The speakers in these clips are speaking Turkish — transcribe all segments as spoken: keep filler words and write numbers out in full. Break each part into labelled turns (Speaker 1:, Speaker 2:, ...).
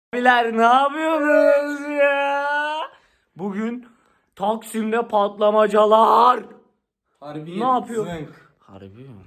Speaker 1: Abiler ne yapıyorsunuz ya? Bugün Taksim'de patlamacalar.
Speaker 2: Harbi
Speaker 1: Ne yapıyor?
Speaker 2: zınk.
Speaker 1: Harbi mi?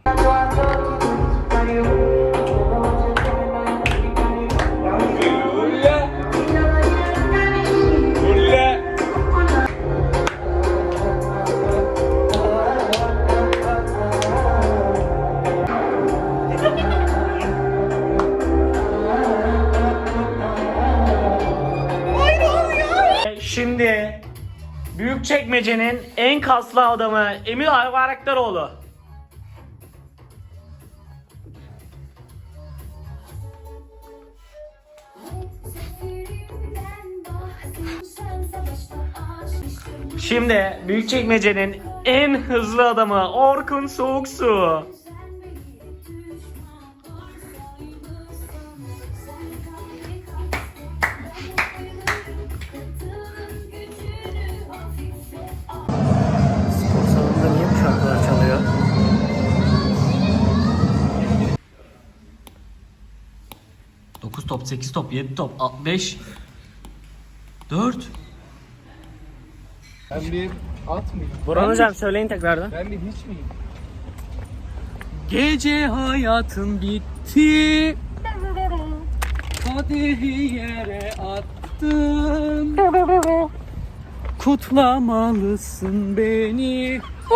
Speaker 1: Şimdi Büyükçekmece'nin en kaslı adamı Emir Ayvaraktaroğlu. Şimdi Büyükçekmece'nin en hızlı adamı Orkun Soğuksu. Spor salonunda niye bu şarkılar çalıyor? dokuz top, sekiz top, yedi top, beş, dört.
Speaker 2: Ben bir at mıyım?
Speaker 1: Burhan hocam söyleyin tekrardan.
Speaker 2: Ben bir hiç miyim?
Speaker 3: Gece hayatın bitti, kadehi yere attın, kutlamalısın beni,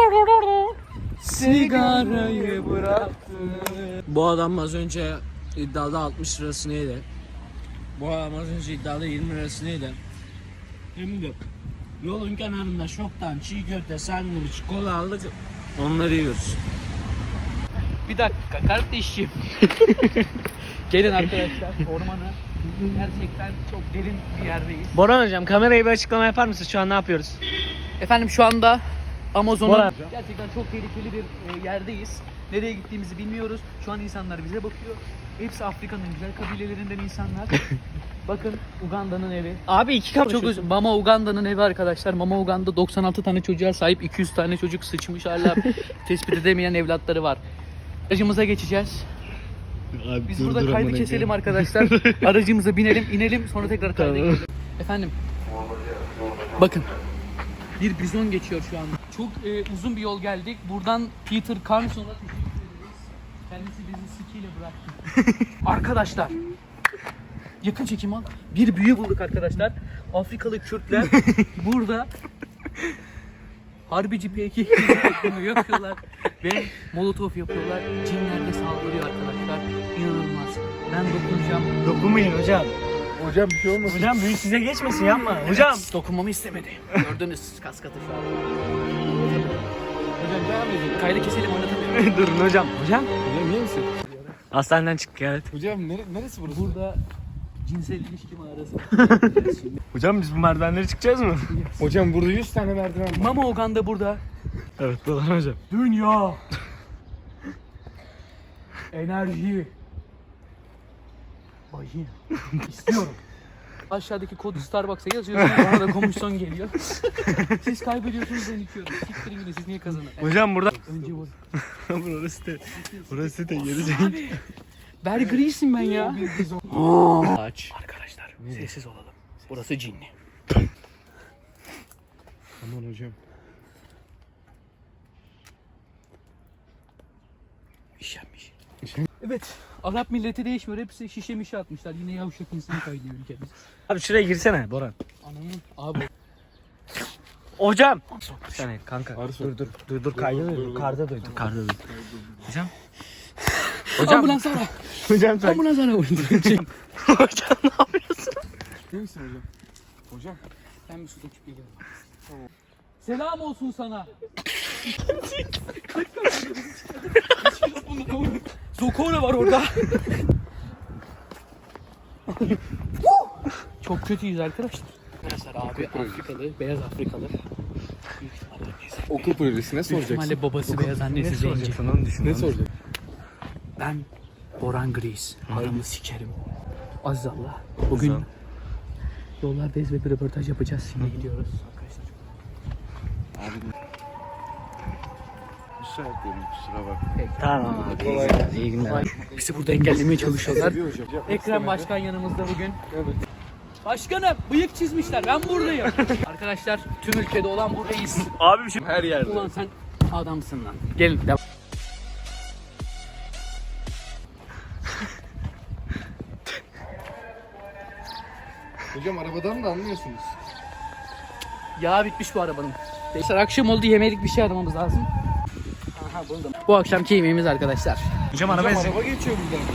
Speaker 3: sigarayı bıraktın. Bu adam az önce iddiada altmış lirasını yedi. Bu adam az önce iddiada yirmi lirasını yedi. Hem de yolun kenarında şoktan çiğ köfte, sandviç, kola aldık. Onları yiyoruz. Bir dakika kardeşim. Gelin arkadaşlar ormana. Gerçekten çok derin bir yerdeyiz.
Speaker 1: Burhan hocam kamerayı bir açıklama yapar mısın? Şu an ne yapıyoruz?
Speaker 3: Efendim şu anda Amazon'un
Speaker 1: Bora.
Speaker 3: gerçekten çok tehlikeli bir e, yerdeyiz. Nereye gittiğimizi bilmiyoruz. Şu an insanlar bize bakıyor. Hepsi Afrika'nın güzel kabilelerinden insanlar. Bakın Uganda'nın evi.
Speaker 1: Abi iki kapı
Speaker 3: Çok özür. Mama Uganda'nın evi arkadaşlar. Mama Uganda doksan altı tane çocuğa sahip, iki yüz tane çocuk sıçmış, hala tespit edemeyen evlatları var. Aracımıza geçeceğiz.
Speaker 1: Abi,
Speaker 3: Biz burada kaydı keselim arkadaşlar. Aracımıza binelim, inelim, sonra tekrar kayda
Speaker 1: Tamam.
Speaker 3: gidelim. Efendim. Bakın. Bir bizon geçiyor şu anda. Çok e, uzun bir yol geldik. Buradan Peter Carlson'a teşekkür ederiz. Kendisi bizi sikiyle bıraktı. Arkadaşlar. Yakın çekim al. Bir büyü bulduk arkadaşlar. Afrikalı Kürtler burada Harbici P K K yapıyorlar ve molotof yapıyorlar. Cinler de saldırıyor arkadaşlar. İnanılmaz. Ben dokunacağım.
Speaker 1: Dokunmayın hocam.
Speaker 2: Hocam bir şey olmasın.
Speaker 1: Hocam büyü size geçmesin, yapma. Hocam.
Speaker 3: Evet, dokunmamı istemedi. Gördünüz kas katı şu an.
Speaker 2: Hocam devam edin.
Speaker 3: Kaydı keselim, oynatamıyorum.
Speaker 1: Durun hocam. Hocam.
Speaker 2: Hocam iyi misin?
Speaker 1: Hastaneden çıktık, evet.
Speaker 2: Hocam nere neresi burası?
Speaker 3: Burada cinsel ilişki mağarası.
Speaker 1: Hocam biz bu merdivenleri çıkacağız mı?
Speaker 2: Hocam burada yüz tane merdiven var.
Speaker 3: Mama Uganda burada.
Speaker 1: Evet Burhan hocam.
Speaker 3: Dünya. Enerji. Vajina. İstiyorum. Aşağıdaki kodu Starbucks'a yazıyorsunuz, bana da komisyon geliyor. Siz kaybediyorsunuz, ben içiyorum. Siktirin gidin, siz niye kazanın?
Speaker 1: Hocam burada.
Speaker 3: Önce vur.
Speaker 1: burası da. Burası da gelecek.
Speaker 3: Abi. Bear Grylls'im ben ya.
Speaker 1: Aç.
Speaker 3: Arkadaşlar sessiz olalım. Burası cinli.
Speaker 2: Aman hocam.
Speaker 3: İşenmiş. Evet. Arap milleti değişmiyor. Hepsi şişe mişe atmışlar. Yine yavşak insan kaynıyor ülkemiz.
Speaker 1: Abi şuraya girsene Boran.
Speaker 3: Ananın abi.
Speaker 1: Hocam. Bir saniye kanka.
Speaker 2: Arsu.
Speaker 1: Dur dur. Dur dur kayda duydum. Karda duydum. Karda duydum. Hocam.
Speaker 3: Hocam. Ambulans ara.
Speaker 1: Hocam sen.
Speaker 3: Ambulans ara.
Speaker 1: Hocam ne yapıyorsun?
Speaker 2: İyi misin hocam? Hocam.
Speaker 3: Ben bir su döküp geliyorum. Tamam. Selam olsun sana. Zokora var orada. Çok kötüyüz arkadaşlar. Arkadaşlar abi Afrikalı, beyaz Afrikalı.
Speaker 2: Okul projesi ne
Speaker 3: Büyük
Speaker 2: soracaksın?
Speaker 3: ihtimalle babası beyaz, annesi zenci.
Speaker 1: Onu düşün.
Speaker 2: Ne soracaksın?
Speaker 3: Ben Boran Gris. Adamı sikerim. Aziz Allah. Bugün yollardayız ve bir röportaj yapacağız. Şimdi gidiyoruz.
Speaker 2: Abi müsait değilim, kusura bakma.
Speaker 1: Tamam abi.
Speaker 2: Kolay
Speaker 1: İyi günler. İyi günler.
Speaker 3: Bizi burada engellemeye çalışıyorlar.
Speaker 2: Seviyor hocam.
Speaker 3: Ekrem Başkan yanımızda bugün.
Speaker 2: Evet.
Speaker 4: Başkanım bıyık çizmişler. Ben buradayım. Arkadaşlar tüm ülkede olan bu reis.
Speaker 1: Abi bir şey.
Speaker 2: Her yerde.
Speaker 4: Ulan sen adamsın lan. Gelin devam.
Speaker 2: Hocam arabadan da anlıyorsunuz.
Speaker 4: Yağ bitmiş bu arabanın. Arkadaşlar akşam oldu, yemelik bir şey aramamız lazım. Aha buldum. Bu akşamki yemeğimiz arkadaşlar.
Speaker 1: Hocam araba
Speaker 2: Hocam araba geçiyor buradan.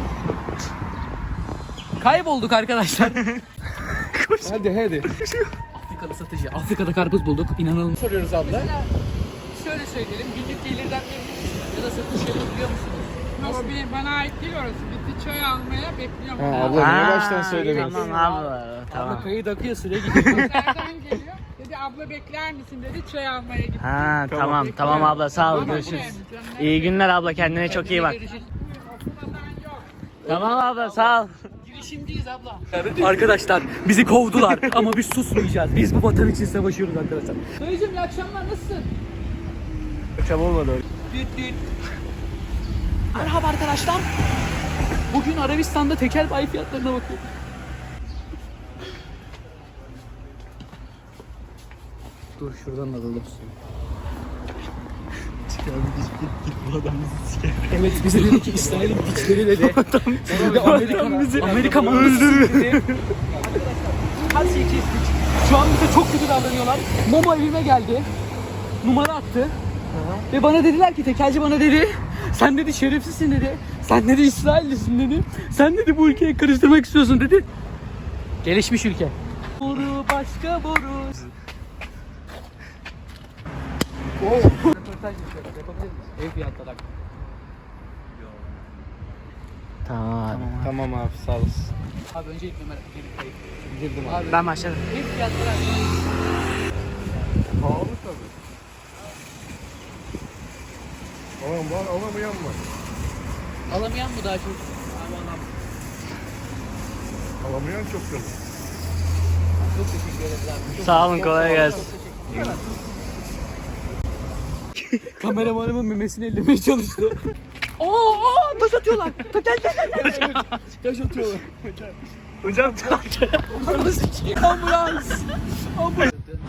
Speaker 4: Kaybolduk arkadaşlar.
Speaker 2: Hadi hadi.
Speaker 4: Afrika'da satıcı. Afrika'da karpuz bulduk. İnanılmaz.
Speaker 2: Soruyoruz abla.
Speaker 4: Şöyle söyleyelim. Günlük gelirden memnun ya da satış yapabiliyor musunuz?
Speaker 5: Yok bir bana ait değil orası. Bizi çay almaya bekliyorum.
Speaker 2: Ha, abla niye baştan söylemiyorsun?
Speaker 1: Tamam abi.
Speaker 4: Ama
Speaker 1: Tamam.
Speaker 4: kayıt akıyor, süre gidiyor.
Speaker 5: Nereden geliyor? Dedi abla bekler misin dedi çay almaya gittim.
Speaker 1: Ha tamam tamam abla sağ ol görüşürüz. İyi günler abla kendine çok iyi bak. Tamam abla sağ ol.
Speaker 4: Girişimciyiz abla. Arkadaşlar bizi kovdular ama biz susmayacağız. Biz bu vatan için savaşıyoruz arkadaşlar. Dayıcım iyi akşamlar, nasılsın?
Speaker 1: Çabuk olmadı.
Speaker 4: Düt düt. Merhaba arkadaşlar. Bugün Arabistan'da tekel bayi fiyatlarına bakıyorum. Dur şuradan alalım suyu. Evet bize dedi ki İsrail'in piçleri dedi. Amerika, Amerika mı öldürür? Her şeyi kestik. Şu an bize çok kötü davranıyorlar. Momo evime geldi. Numara attı. Ve bana dediler ki tekelci bana dedi. Sen dedi şerefsizsin dedi. Sen dedi İsraillisin dedi. Sen dedi bu ülkeyi karıştırmak istiyorsun dedi. Gelişmiş ülke. Boru başka boru. Röportaj yapıyoruz. Yapabilir miyiz? Ev fiyatları hakkında.
Speaker 1: Tamam abi.
Speaker 2: Tamam abi sağ olasın.
Speaker 4: Abi önce ilk numara kayıt.
Speaker 2: Girdim
Speaker 4: Abi
Speaker 1: Ben başladım.
Speaker 4: ev fiyatları hakkında.
Speaker 2: Pahalı tabii. Alan var alamayan var.
Speaker 4: Alamayan mı daha çok?
Speaker 2: Alamayan çok tabii.
Speaker 4: Çok teşekkür ederiz abi. Çok
Speaker 1: Sağ olun kolay gelsin.
Speaker 4: Kameramanımın memesini ellemeye çalıştı. Oo, oo taş atıyorlar. Gel gel gel gel. Taş atıyorlar.
Speaker 1: Hocam çok.
Speaker 4: Ambulans. Ambulans.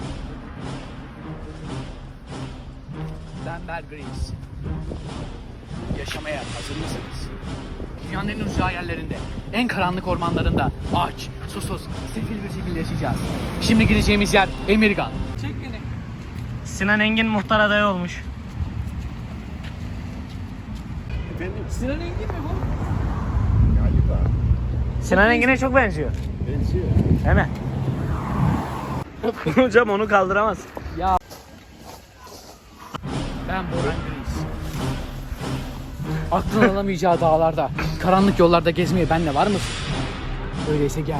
Speaker 4: Ben Bear Grylls. Yaşamaya hazır mısınız? Dünyanın en uzağı yerlerinde, en karanlık ormanlarında aç, susuz, sefil bir şekilde yaşayacağız. Şimdi gideceğimiz yer Emirgan. Çek beni.
Speaker 1: Sinan Engin muhtar adayı olmuş.
Speaker 4: Sinan Engin mi bu?
Speaker 1: Sinan Engin'e çok benziyor.
Speaker 2: Benziyor.
Speaker 1: Değil mi? Hocam onu kaldıramaz.
Speaker 4: Ya. Ben Boran Grylls. Aklın alamayacağı dağlarda, karanlık yollarda gezmeye benle var mısın? Öyleyse gel.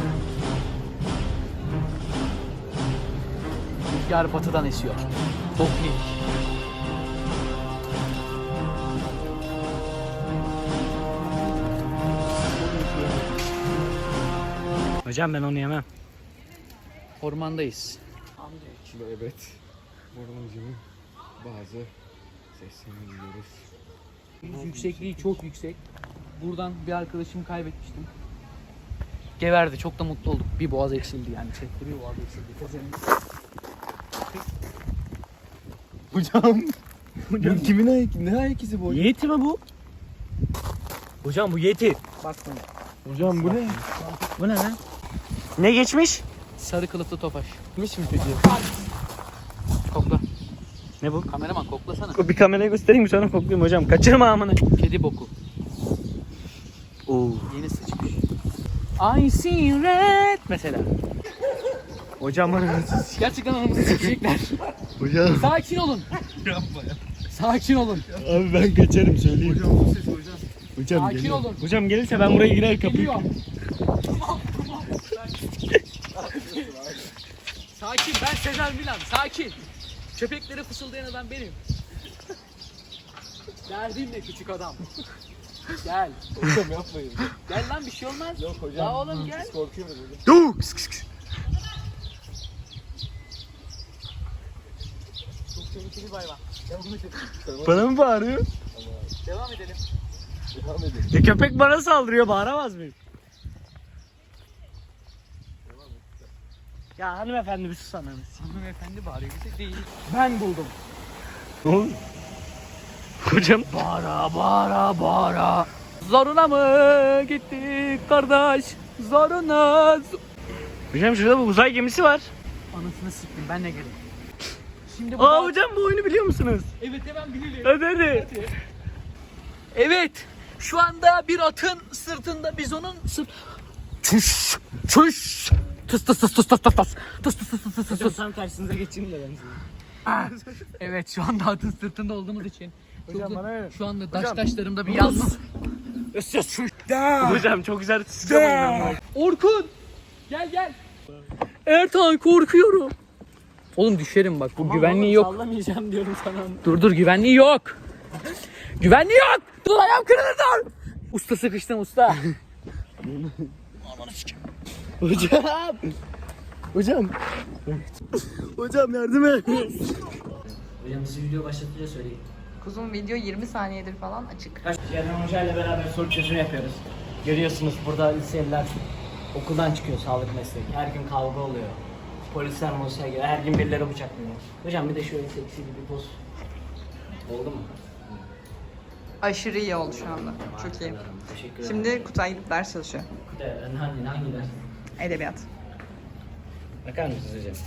Speaker 4: Rüzgar batıdan esiyor. Boknik.
Speaker 1: Hocam ben onu yemem.
Speaker 4: Ormandayız.
Speaker 2: Evet. Bornoncunun bazı seslerini duyuyoruz.
Speaker 4: Yüksekliği çok yüksek. Buradan bir arkadaşımı kaybetmiştim. Geverdi. Çok da mutlu olduk. Bir boğaz eksildi yani. Çekti bir boğaz eksildi. Tezenin.
Speaker 2: Hocam. Hocam kimin ayak? Ne ayak izi bu?
Speaker 1: Yeti mi bu? Hocam bu Yeti.
Speaker 4: Bakmayın.
Speaker 2: Hocam bu ne?
Speaker 1: Bu ne lan? Ne geçmiş?
Speaker 4: Sarı kılıflı topaş.
Speaker 2: Gitmiş mi peki?
Speaker 4: Kokla.
Speaker 1: Ne bu?
Speaker 4: Kameraman koklasana.
Speaker 1: Bir kameraya göstereyim mi sonra koklayayım hocam. Kaçırma amına.
Speaker 4: Kedi boku.
Speaker 1: Oo.
Speaker 4: Yeni sıçmış. I see red mesela.
Speaker 1: Hocam bana
Speaker 4: Gerçekten anamızı sikecekler.
Speaker 2: Hocam.
Speaker 4: Sakin olun.
Speaker 2: Yapma ya.
Speaker 4: Sakin olun.
Speaker 2: Abi ben kaçarım söyleyeyim. Hocam bu ses hocam. Hocam
Speaker 4: Sakin
Speaker 2: geliyor.
Speaker 4: olun.
Speaker 1: Hocam gelirse ben buraya girer kapıyı.
Speaker 4: Geliyor. Tamam tamam. Sakin, ben Sezer Milan. Sakin. Köpeklere fısıldayan adam benim. Derdin ne küçük adam? Gel.
Speaker 2: Hocam yapmayın.
Speaker 4: Gel lan bir şey olmaz.
Speaker 2: Yok hocam.
Speaker 4: Ya oğlum gel.
Speaker 2: Biz korkuyoruz hocam.
Speaker 1: Dur. Kıs kıs kıs.
Speaker 4: Çok tehlikeli bir hayvan. Devam edelim.
Speaker 1: Bana mı bağırıyor?
Speaker 4: Devam edelim.
Speaker 2: Devam edin.
Speaker 1: Ya köpek bana saldırıyor bağıramaz mıyım?
Speaker 2: Devam et.
Speaker 3: Ya hanımefendi bir susana.
Speaker 4: Hanımefendi bağırıyor bize değil. Ben buldum.
Speaker 1: Hocam.
Speaker 4: Bağıra bağıra bağıra. Zoruna mı gittik kardeş? Zoruna.
Speaker 1: Hocam şurada bir uzay gemisi var.
Speaker 4: Anasını siktim ben ne gelin. Şimdi bu
Speaker 1: Aa
Speaker 4: da-
Speaker 1: hocam bu oyunu biliyor musunuz?
Speaker 4: Evet hemen bilelim.
Speaker 1: Hadi hadi.
Speaker 4: Evet. Şu anda bir atın sırtında biz onun sırt... Çüş. Çüş. Tıs tıs tıs tıs tıs tıs tıs. Tıs tıs tıs tıs tıs tıs.
Speaker 3: Hocam tam tersinize geçeyim de ben size.
Speaker 4: Evet şu anda atın sırtında olduğumuz için.
Speaker 1: Hocam
Speaker 4: Çok-
Speaker 1: bana ver.
Speaker 4: Şu anda taş taşlarımda bir yanma.
Speaker 1: Hocam çok güzel sıçramayın.
Speaker 4: Orkun! Gel gel. Ertan korkuyorum. Oğlum düşerim bak bu güvenliği yok.
Speaker 3: Sallamayacağım diyorum sana.
Speaker 4: Dur dur güvenliği yok. Güvenliği yok. Dur ayağım kırılır dur. Usta sıkıştım usta.
Speaker 2: Hocam. Hocam. Hocam yardım et.
Speaker 3: Hocam siz video başlatınca söyleyin.
Speaker 5: Kuzum video yirmi saniyedir falan açık.
Speaker 3: Kerem Hoca ile beraber soru çözümü yapıyoruz. Görüyorsunuz burada liseliler okuldan çıkıyor, sağlık mesleği. Her gün kavga oluyor. Polisler molisler geliyor. Her gün birileri bıçaklıyor. Hocam bir de şöyle seksi bir poz. Oldu mu?
Speaker 5: Aşırı iyi oldu şu anda. Çok iyi.
Speaker 3: Teşekkür ederim.
Speaker 5: Şimdi Kutay gidip ders çalışıyor.
Speaker 3: De, hangi, hangi ders?
Speaker 5: Edebiyat.
Speaker 3: Bakar mısınız hocam?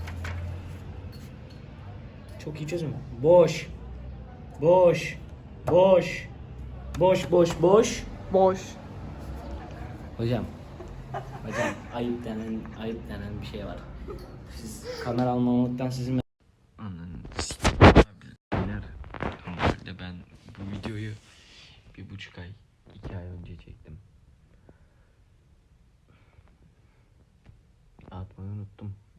Speaker 3: Çok iyi çözüm. Boş. Boş. Boş. Boş boş boş.
Speaker 5: Boş.
Speaker 3: Hocam. Hocam ayıp denen ayıp denen bir şey var. Siz kamera almamaktan sizin
Speaker 2: Beyler, normalde ben bu videoyu bir buçuk ay, iki ay önce çektim. Atmayı unuttum.